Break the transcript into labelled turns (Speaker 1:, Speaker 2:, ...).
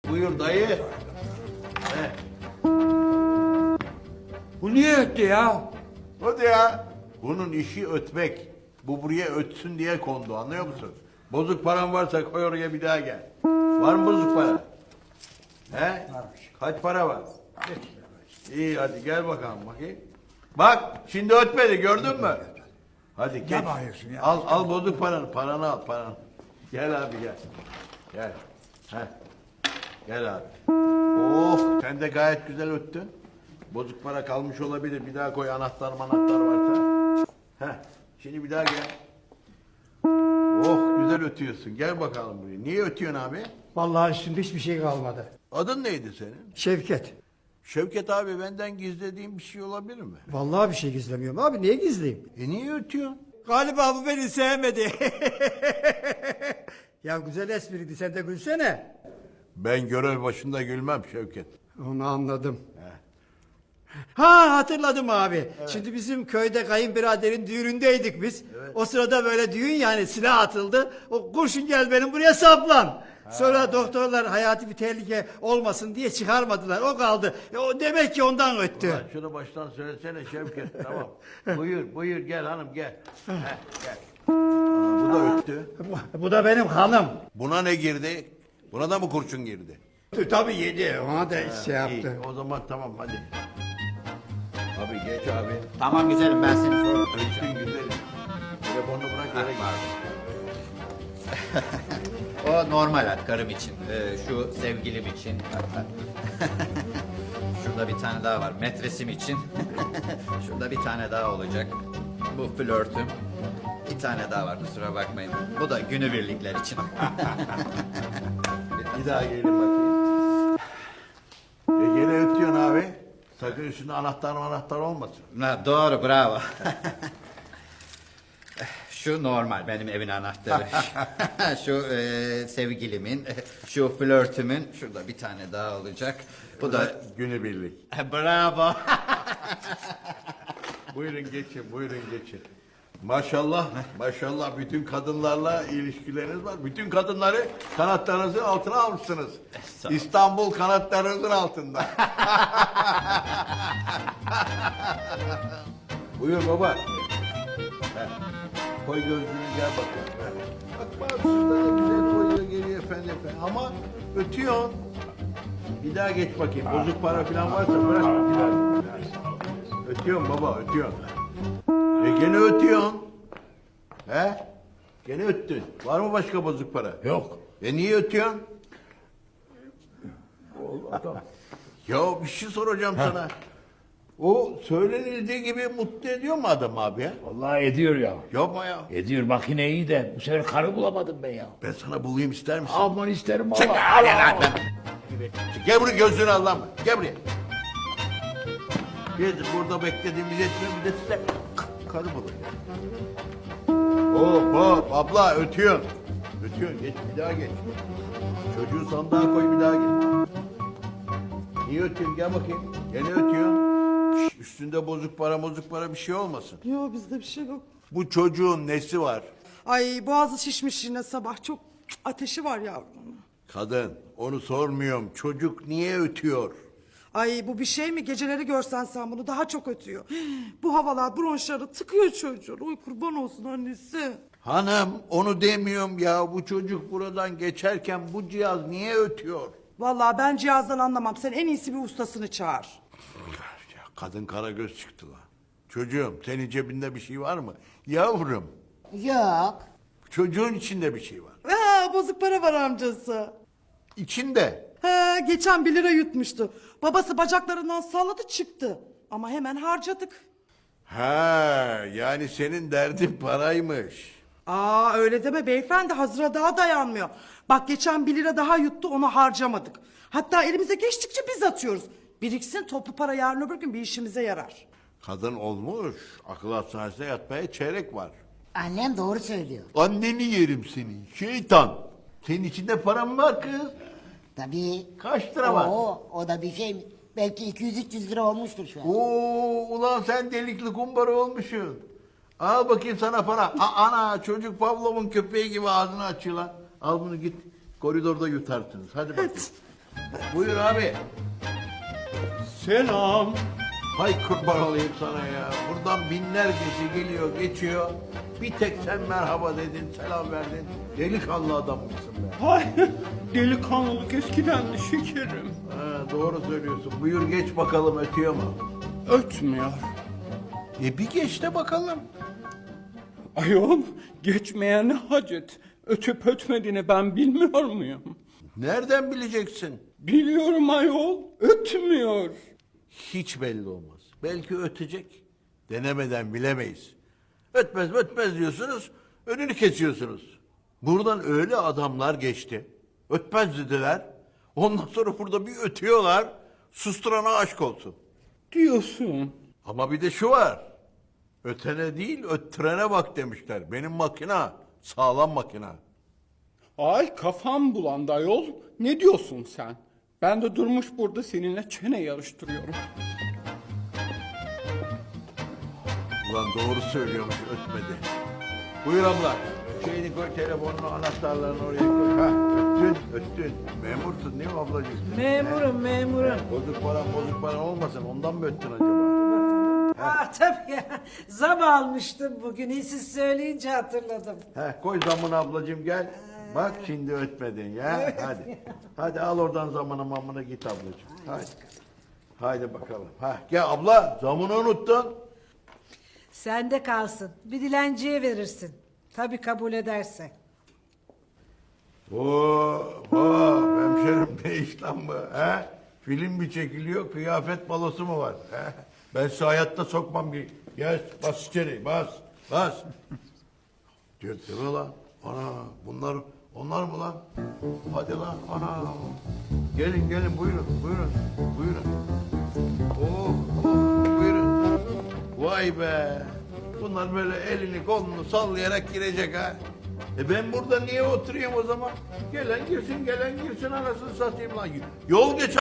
Speaker 1: Buyur dayı. He.
Speaker 2: Bu niye öttü ya?
Speaker 1: Hadi ya. Bunun işi ötmek. Bu buraya ötsün diye kondu, anlıyor musun? Bozuk paran varsa koy oraya, bir daha gel. Var mı bozuk para? He? Kaç para var? İyi, hadi gel bakalım bakayım. Bak şimdi ötmedi, gördün mü? Hadi geç.
Speaker 2: bağırıyorsun ya?
Speaker 1: Al bozuk paranı. Paranı al, paranı. Gel abi gel. Gel. Heh. Gel abi. Oh, sen de gayet güzel öttün. Bozuk para kalmış olabilir. Bir daha koy, anahtar varsa. Heh. Şimdi bir daha gel. Oh, güzel ötüyorsun. Gel bakalım buraya. Niye ötüyorsun abi?
Speaker 2: Vallahi üstünde hiçbir şey kalmadı.
Speaker 1: Adın neydi senin?
Speaker 2: Şevket.
Speaker 1: Şevket abi, benden gizlediğin bir şey olabilir mi?
Speaker 2: Vallahi bir şey gizlemiyorum abi. Niye gizleyeyim?
Speaker 1: Niye ötüyorsun?
Speaker 2: Galiba bu beni sevmedi. Ya güzel espriydi. Sen de gülsene.
Speaker 1: Ben görev başında gülmem Şevket.
Speaker 2: Onu anladım. Ha, hatırladım abi. Şimdi bizim köyde kayınbiraderin düğünündeydik biz. O sırada böyle düğün, yani silah atıldı. O kurşun gel benim buraya saplan. Sonra doktorlar hayati bir tehlike olmasın diye çıkarmadılar. O kaldı. O demek ki ondan öttü.
Speaker 1: Ulan şunu baştan söylesene Şevket. Tamam. Buyur gel hanım gel. Heh, gel. Aa, bu da öttü.
Speaker 2: Bu da benim hanım.
Speaker 1: Buna ne girdi? Buna da mı kurşun girdi?
Speaker 2: Tabii yedi. Ona da şey yaptı.
Speaker 1: İyi, o zaman tamam hadi. Abi geç abi.
Speaker 3: Tamam güzelim, ben seni sonra
Speaker 1: Öttün güzelim. Telefonunu bırak yere git.
Speaker 3: O normal karım için, şu sevgilim için. Şurada bir tane daha var, metresim için. Şurada bir tane daha olacak. Bu flörtüm. Bir tane daha var, kusura bakmayın. Bu da günübirlikler için.
Speaker 1: Bir daha gelin bakayım. Gene ötüyorsun abi. Sakın üstünde anahtar olmasın.
Speaker 3: Ha, doğru, bravo. Şu normal, benim evin anahtarı. Şu sevgilimin, şu flörtümün. Şurada bir tane daha olacak. Bu da...
Speaker 1: Günübirlik.
Speaker 3: Bravo.
Speaker 1: Buyurun geçin. Maşallah bütün kadınlarla ilişkileriniz var. Bütün kadınları kanatlarınızın altına almışsınız. İstanbul kanatlarınızın altında. Buyur baba. Heh. Koy gözlüğünü, gel bakalım. Heh. Bak şurada da güzel koyuyor, geliyor efendim. Ama ötüyorsun. Bir daha geç bakayım. Bozuk para falan varsa bırak. Bir daha. Ötüyorsun baba, ötüyorsun. Gene ötüyorsun. He? Gene öttün. Var mı başka bozuk para?
Speaker 4: Yok.
Speaker 1: Niye ötüyorsun? Ya bir şey soracağım sana. O söylenildiği gibi mutlu ediyor mu adam abi ya?
Speaker 4: Vallahi ediyor ya.
Speaker 1: Yapma ya.
Speaker 4: Ediyor, makine iyi de bu sefer karı bulamadım ben ya.
Speaker 1: Ben sana bulayım, ister misin?
Speaker 4: Aman isterim
Speaker 1: Çık
Speaker 4: valla.
Speaker 1: hadi lan. Gel buraya, gözlüğünü al lan. Gel buraya. Biz burada beklediğimiz yetmiyor, bir de size karı bulun. Hop abla ötüyorsun. Geç, bir daha geç. Çocuğu sandığa koy, bir daha geç. Niye ötüyorsun, gel bakayım. Gene ötüyorsun. Şş, üstünde bozuk para bir şey olmasın.
Speaker 5: Yok, bizde bir şey yok.
Speaker 1: Bu çocuğun nesi var?
Speaker 5: Ay, boğazı şişmiş yine sabah. Çok ateşi var yavrum.
Speaker 1: Kadın, onu sormuyorum. Çocuk niye ötüyor?
Speaker 5: Ay, bu bir şey mi? Geceleri görsen sen bunu daha çok ötüyor. Bu havalar bronşları tıkıyor çocuğun. Oy kurban olsun annesi.
Speaker 1: Hanım, onu demiyorum ya. Bu çocuk buradan geçerken bu cihaz niye ötüyor?
Speaker 5: Vallahi ben cihazdan anlamam. Sen en iyisi bir ustasını çağır.
Speaker 1: Ya kadın karagöz çıktı lan. Çocuğum, senin cebinde bir şey var mı? Yavrum,
Speaker 6: Yok.
Speaker 1: çocuğun içinde bir şey var.
Speaker 5: Ha, bozuk para var amcası.
Speaker 1: İçinde.
Speaker 5: Ha, geçen 1 lira yutmuştu. Babası bacaklarından salladı çıktı. Ama hemen harcadık.
Speaker 1: Ha, yani senin derdin paraymış.
Speaker 5: Aa, öyle deme beyefendi, hazıra daha dayanmıyor. Bak, geçen 1 lira daha yuttu, onu harcamadık. Hatta elimize geçtikçe biz atıyoruz. Biriksin, toplu para yarın öbür gün bir işimize yarar.
Speaker 1: Kadın olmuş, akıl hastanesine yatmaya çeyrek var.
Speaker 6: Annem doğru söylüyor.
Speaker 1: Anneni yerim seni, şeytan. Senin içinde para mı var kız?
Speaker 6: Tabii.
Speaker 1: Kaç lira var?
Speaker 6: O da bir şey mi? Belki 200-300 lira olmuştur şu an.
Speaker 1: Oo, ulan sen delikli kumbara olmuşsun. Al bakayım sana para. Ana, çocuk Pavlov'un köpeği gibi ağzını açıyor lan. Al bunu, git koridorda yutarsınız. Hadi bakayım. Buyur abi.
Speaker 7: Selam.
Speaker 1: Hay kurban olayım sana ya. Buradan binlercesi geliyor, geçiyor. Bir tek sen merhaba dedin, selam verdin. Delikanlı adammışsın be.
Speaker 7: Hay, delikanlılık eskidendi şekerim.
Speaker 1: Ha, doğru söylüyorsun. Buyur geç bakalım, ötüyor mu?
Speaker 7: Ötmüyor.
Speaker 1: Bir geç de bakalım.
Speaker 7: Ayol, geçmeye ne hacet? Ötüp ötmediğini ben bilmiyor muyum?
Speaker 1: Nereden bileceksin?
Speaker 7: Biliyorum ayol, ötmüyor.
Speaker 1: Hiç belli olmaz. Belki ötecek. Denemeden bilemeyiz. Ötmez ötmez diyorsunuz, önünü kesiyorsunuz. Buradan öyle adamlar geçti. Ötmez dediler. Ondan sonra burada bir ötüyorlar. Susturana aşk olsun.
Speaker 7: Diyorsun.
Speaker 1: Ama bir de şu var. Ötene değil, öttürene bak demişler. Benim makina, sağlam makina.
Speaker 7: Ay kafam bulandı ayol. Ne diyorsun sen? Ben de durmuş burada seninle çene yarıştırıyorum.
Speaker 1: Ulan doğru söylüyormuş, ötmedi. Buyur abla. Şeyini koy, telefonunu, anahtarlarını oraya koy. Ha, öttün. Memursun değil mi ablacığım?
Speaker 8: Memurum.
Speaker 1: Bozuk para olmasın, ondan mı öttün acaba?
Speaker 8: Tabii ya. Zam almıştım bugün. Siz söyleyince hatırladım.
Speaker 1: Koy zamını ablacığım gel. Bak şimdi ötmedin ya. Hadi. Hadi al oradan zamını mamını git ablacığım. Hadi. Haydi bakalım. Gel abla, zamını unuttun.
Speaker 8: Sende kalsın. Bir dilenciye verirsin. Tabii kabul ederse.
Speaker 1: Hemşerim ne iş lan bu? Film mi çekiliyor, kıyafet balosu mu var? Ben size hayatta sokmam. Gel, bas içeri, bas. Diyor, değil mi lan? Ana, onlar mı lan? Hadi lan, ana. Gelin, buyurun. Buyurun. Vay be. Bunlar böyle elini kolunu sallayarak girecek ha. Ben burada niye oturayım o zaman? Gelen girsin anasını satayım lan. Yol geç